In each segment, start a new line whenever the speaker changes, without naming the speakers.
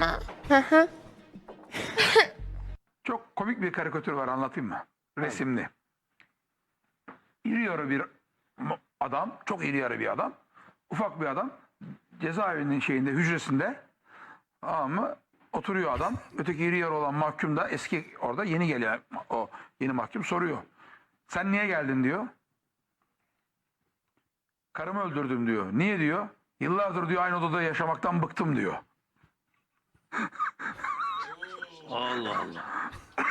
ama. Hı hı.
Çok komik bir karikatür var, anlatayım mı? Resimli. İri yarı bir adam, çok iri yarı bir adam. Ufak bir adam. Cezaevinin şeyinde, hücresinde. Ama oturuyor adam. Öteki iri yarı olan mahkum da eski, orada yeni gelen o yeni mahkum soruyor. Sen niye geldin diyor. Karımı öldürdüm diyor. Niye diyor. Yıllardır diyor aynı odada yaşamaktan bıktım diyor.
Allah Allah.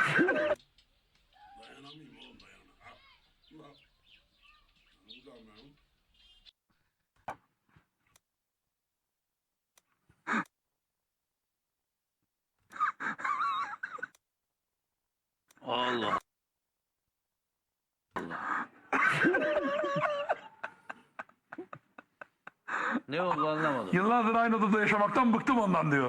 Allah. Ne oldu anlamadım.
Yıllardır aynı odada yaşamaktan bıktım ondan diyor.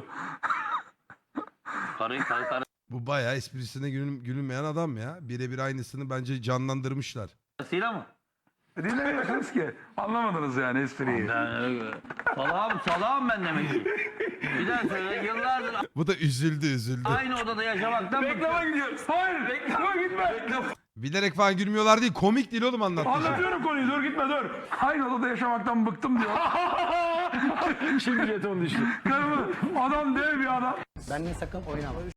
Karı
Bu bayağı esprisine gülünmeyen adam ya. Birebir aynısını bence canlandırmışlar.
karısıyla mı?
Dinlemiyorsunuz ki. Anlamadınız yani espriyi.
Salağım ben demek ki. Bir daha söyle, yıllardır
Bu da üzüldü.
aynı odada yaşamaktan
Reklama gidiyoruz. Hayır. Reklama gitme.
Bilerek falan gülmüyorlar değil. Komik değil oğlum anlattığı şey.
Anlatıyorum konuyu. Dur gitme dur. Aynı odada yaşamaktan bıktım diyor.
Şimdi jeton düştü.
Karımı, adam dev bir adam.
Benimle sakın oynama.